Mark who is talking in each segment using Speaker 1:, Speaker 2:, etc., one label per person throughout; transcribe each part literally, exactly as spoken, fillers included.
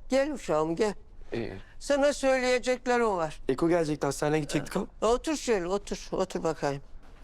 Speaker 1: Gel uşağım gel.
Speaker 2: Ee,
Speaker 1: Sana söyleyeceklerim var.
Speaker 2: Eko gelecekti, hastaneye gidecektik ama.
Speaker 1: Otur şöyle otur. Otur bakayım.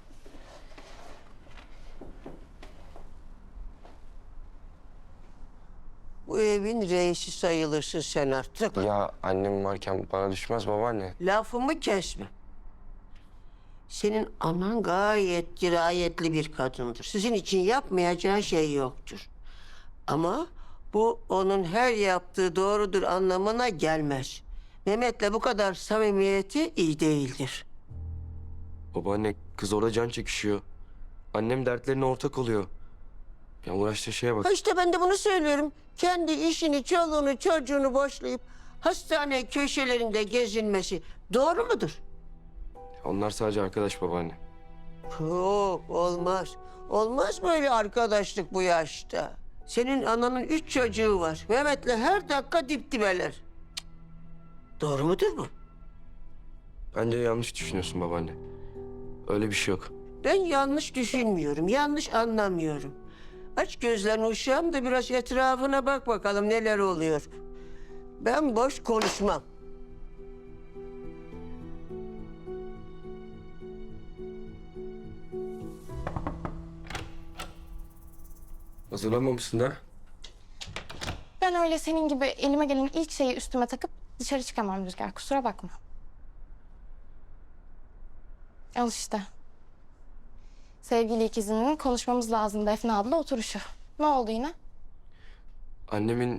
Speaker 1: Bu evin reisi sayılırsın sen artık.
Speaker 2: Ya annem varken bana düşmez babaanne.
Speaker 1: Lafımı kesme. Senin anan gayet dirayetli bir kadındır. Sizin için yapmayacağı şey yoktur. Ama bu onun her yaptığı doğrudur anlamına gelmez. Mehmet'le bu kadar samimiyeti iyi değildir.
Speaker 2: Babaanne, kız orada can çekişiyor. Annem dertlerine ortak oluyor. Ya uğraştığı şeye bak.
Speaker 1: Ha işte ben de bunu söylüyorum. Kendi işini, çoluğunu, çocuğunu boşlayıp hastane köşelerinde gezinmesi doğru mudur?
Speaker 2: Onlar sadece arkadaş babaanne.
Speaker 1: Yok olmaz. Olmaz böyle arkadaşlık bu yaşta. Senin ananın üç çocuğu var. Mehmet'le her dakika dip dibeler. Cık. Doğru mudur bu?
Speaker 2: Bence yanlış düşünüyorsun babaanne. Öyle bir şey yok.
Speaker 1: Ben yanlış düşünmüyorum, yanlış anlamıyorum. Aç gözlerini uşağım da biraz etrafına bak bakalım neler oluyor. Ben boş konuşmam.
Speaker 2: Hazırlanmamışsın da.
Speaker 3: Ben öyle senin gibi elime gelen ilk şeyi üstüme takıp dışarı çıkamam Rüzgar. Kusura bakma. Al işte. Sevgili ikizinin konuşmamız lazım Defne abla oturuşu. Ne oldu yine?
Speaker 2: Annemin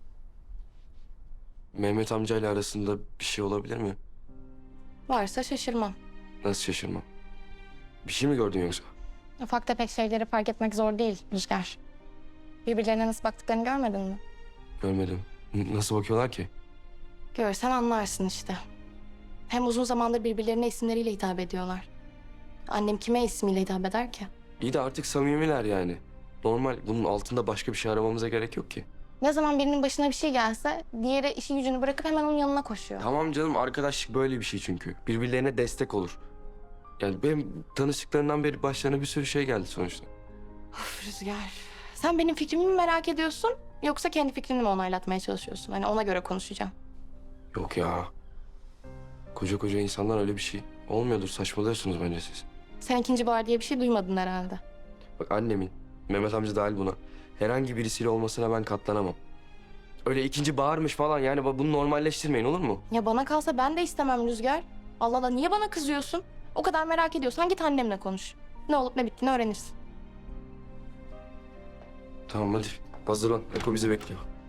Speaker 2: Mehmet amcayla arasında bir şey olabilir mi?
Speaker 3: Varsa şaşırmam.
Speaker 2: Nasıl şaşırmam? Bir şey mi gördün yoksa?
Speaker 3: Ufak tefek şeyleri fark etmek zor değil Rüzgar. Birbirlerine nasıl baktıklarını görmedin mi?
Speaker 2: Görmedim. N- Nasıl bakıyorlar ki?
Speaker 3: Görsen anlarsın işte. Hem uzun zamandır birbirlerine isimleriyle hitap ediyorlar. Annem kime ismiyle hitap eder ki?
Speaker 2: İyi de artık samimiler yani. Normal. Bunun altında başka bir şey aramamıza gerek yok ki.
Speaker 3: Ne zaman birinin başına bir şey gelse diğeri işi gücünü bırakıp hemen onun yanına koşuyor.
Speaker 2: Tamam canım, arkadaşlık böyle bir şey çünkü. Birbirlerine destek olur. Yani benim tanıştıklarından beri başlarına bir sürü şey geldi sonuçta.
Speaker 3: Of Rüzgar. Sen benim fikrimi mi merak ediyorsun yoksa kendi fikrini mi onaylatmaya çalışıyorsun? Hani ona göre konuşacağım.
Speaker 2: Yok ya. Koca koca insanlar öyle bir şey olmuyordur. Saçmalıyorsunuz bence siz.
Speaker 3: Sen ikinci bahar diye bir şey duymadın herhalde.
Speaker 2: Bak annemin, Mehmet amca dahil buna, herhangi birisiyle olmasına ben katlanamam. Öyle ikinci bağırmış falan, yani bunu normalleştirmeyin, olur mu?
Speaker 3: Ya bana kalsa ben de istemem Rüzgar. Allah Allah niye bana kızıyorsun? O kadar merak ediyorsan git annemle konuş. Ne olup ne bittiğini öğrenirsin.
Speaker 2: Tamam hadi hazırlan. Eko bizi bekliyor.